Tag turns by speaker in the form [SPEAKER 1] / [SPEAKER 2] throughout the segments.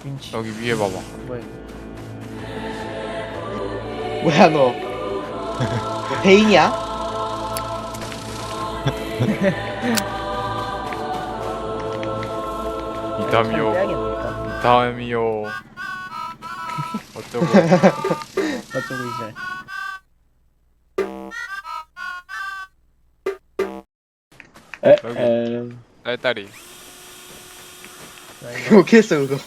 [SPEAKER 1] 윈치.
[SPEAKER 2] 여기 위에 봐봐.
[SPEAKER 1] 뭐야?
[SPEAKER 3] 뭐야 너? 너 베인이야?
[SPEAKER 2] 이담이요.
[SPEAKER 1] 빼야겠니까?
[SPEAKER 2] 이담이요. 어쩌고.
[SPEAKER 1] 어쩌고 이제.
[SPEAKER 2] 여기. 딸딸이.
[SPEAKER 3] 어떻게 했어 그거?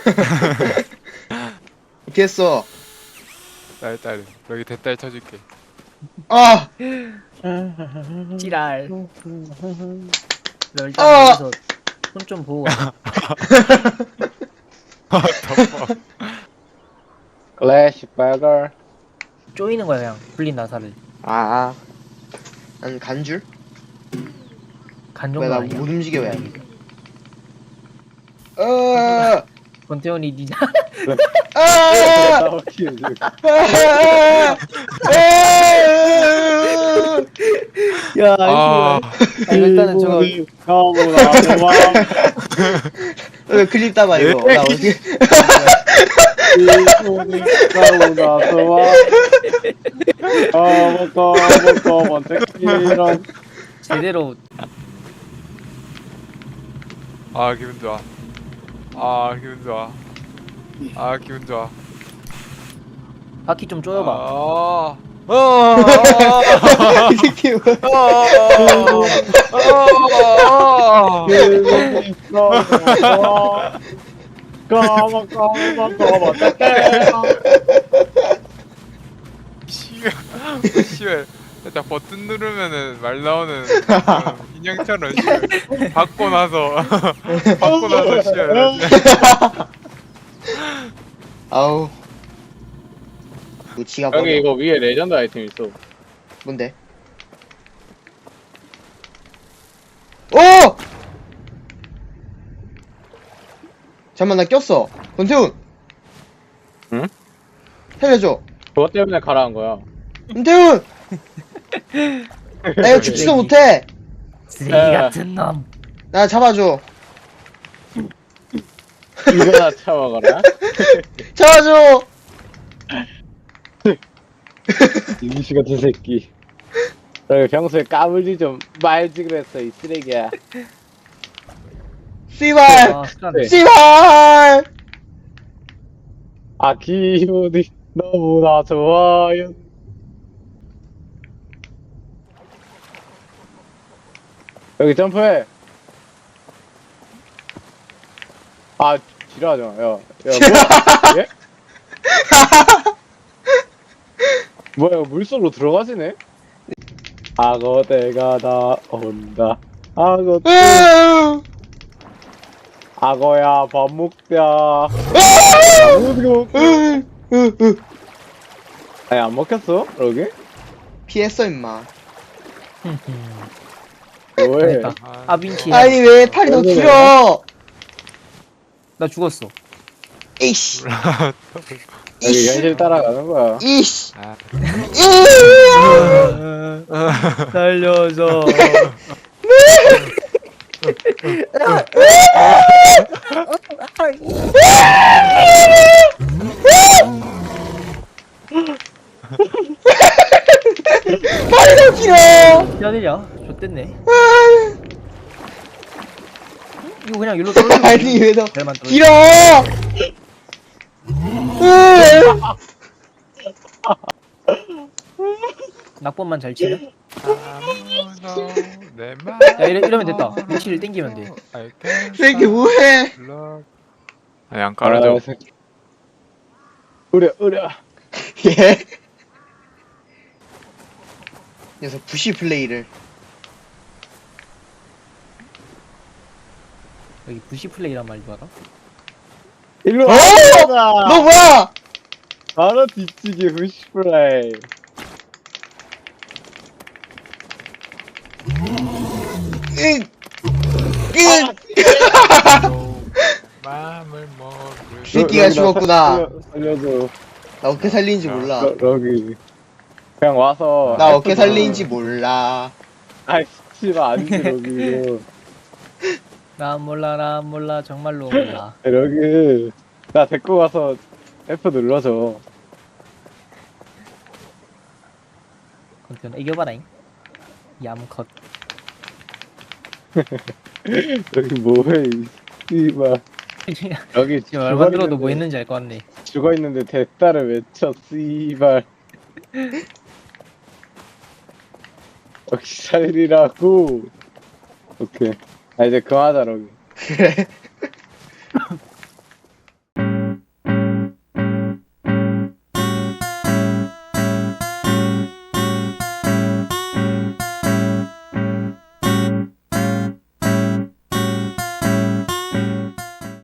[SPEAKER 3] 어떻게 했어?
[SPEAKER 2] 딸딸이. 여기 대딸 쳐줄게.
[SPEAKER 3] 아!
[SPEAKER 1] 찌랄. 너 일단
[SPEAKER 3] 어!
[SPEAKER 1] 여기서 손 좀 보고 가.
[SPEAKER 2] 덮어.
[SPEAKER 4] 클래식 버거.
[SPEAKER 1] 쪼이는 거야 그냥 불린 나사를.
[SPEAKER 3] 아. 난 간줄?
[SPEAKER 1] 간
[SPEAKER 3] 왜
[SPEAKER 1] 정도
[SPEAKER 3] 나
[SPEAKER 1] 아니야?
[SPEAKER 3] 못 움직여 왜? 어!
[SPEAKER 1] 권태원이 니자.
[SPEAKER 3] 아!
[SPEAKER 1] 야,
[SPEAKER 2] 아,
[SPEAKER 1] 일단은 저거
[SPEAKER 3] 왜 클립 따봐 이거? 나 어떻게?
[SPEAKER 1] 제대로
[SPEAKER 2] 아, 기분 좋아. 아, 기분 좋아. 아, 기분 좋아.
[SPEAKER 1] 바퀴 좀 쪼여봐.
[SPEAKER 2] 아,
[SPEAKER 3] 이 새끼 뭐야?
[SPEAKER 2] 시월. 살짝 버튼 누르면은 말 나오는 그런 인형처럼 시월. 받고 나서 시월.
[SPEAKER 3] 아우. 무치가 버려.
[SPEAKER 4] 여기 이거 위에 레전드 아이템 있어.
[SPEAKER 3] 뭔데? 오! 잠깐만 나 꼈어. 권태훈.
[SPEAKER 4] 응?
[SPEAKER 3] 살려줘.
[SPEAKER 4] 그것 때문에 가라한 거야.
[SPEAKER 3] 권태훈. 나 이거 죽지도 못해.
[SPEAKER 1] 쓰레기 같은 놈.
[SPEAKER 3] 나 잡아줘.
[SPEAKER 4] 이거나 참아가라.
[SPEAKER 3] 잡아줘.
[SPEAKER 4] 이미씨 같은 새끼. 너희 평소에 까불지 좀 말지 그랬어 이 쓰레기야.
[SPEAKER 3] 씨발.
[SPEAKER 1] 아, 습관.
[SPEAKER 3] 씨발.
[SPEAKER 4] 아 기분이 너무나 좋아요. 여기 점프해. 아 지랄하지 마. 야, 뭐야? 예? 뭐야 물속으로 들어가시네? 악어대가 나온다. 악어야 밥 먹자. 아니 안 먹혔어? 여기?
[SPEAKER 3] 피했어 임마.
[SPEAKER 4] 왜?
[SPEAKER 1] 됐다. 아, 윈치.
[SPEAKER 3] 아니 왜 팔이 더 길어?
[SPEAKER 1] 나 죽었어.
[SPEAKER 3] 이씨.
[SPEAKER 4] 여기 현실 따라가는 거야.
[SPEAKER 3] 이씨.
[SPEAKER 2] 아,
[SPEAKER 1] 살려줘.
[SPEAKER 3] 팔이 더 길어.
[SPEAKER 1] 야들야, 좋댔네. 이거 그냥 일로 떨어져.
[SPEAKER 3] 아니 왜 더
[SPEAKER 1] 잘만 떨어져.
[SPEAKER 3] 길어?
[SPEAKER 1] 낙법만 잘 치면.
[SPEAKER 2] 아무도 내 말.
[SPEAKER 1] 야, 이러면 됐다. 윈치를 땡기면 돼.
[SPEAKER 3] 새끼 뭐해?
[SPEAKER 2] 아니 안 깔아줘.
[SPEAKER 4] 으려.
[SPEAKER 3] 예? 녀석 부시 플레이를.
[SPEAKER 1] 여기 부시 플레이란 말도 알아?
[SPEAKER 4] 일로
[SPEAKER 3] 어?
[SPEAKER 4] 와.
[SPEAKER 3] 너 뭐야?
[SPEAKER 4] 바로 뒤치기 후시플레이.
[SPEAKER 2] 마음을 모르.
[SPEAKER 3] 이 새끼가 죽었구나.
[SPEAKER 4] 살려줘.
[SPEAKER 3] 나 어떻게 살리는지 몰라.
[SPEAKER 4] 여기 그냥 와서.
[SPEAKER 3] 나 어떻게 살리는지 몰라.
[SPEAKER 4] 아이 씨발 아니지 여기.
[SPEAKER 1] 나 몰라 정말로 몰라.
[SPEAKER 4] 여기 나 데리고 가서 F 눌러줘.
[SPEAKER 1] 건태현 애교봐라잉. 얌컷.
[SPEAKER 4] 여기 뭐해, 씨발. 여기
[SPEAKER 1] 지금 말만 들어도
[SPEAKER 4] 죽어있는데,
[SPEAKER 1] 뭐 했는지 알 것 같네.
[SPEAKER 4] 죽어있는데 대따를 외쳐, 씨발. 역시 살리라고. 오케이. 아, 이제 그만하자, 여기.
[SPEAKER 3] 그래.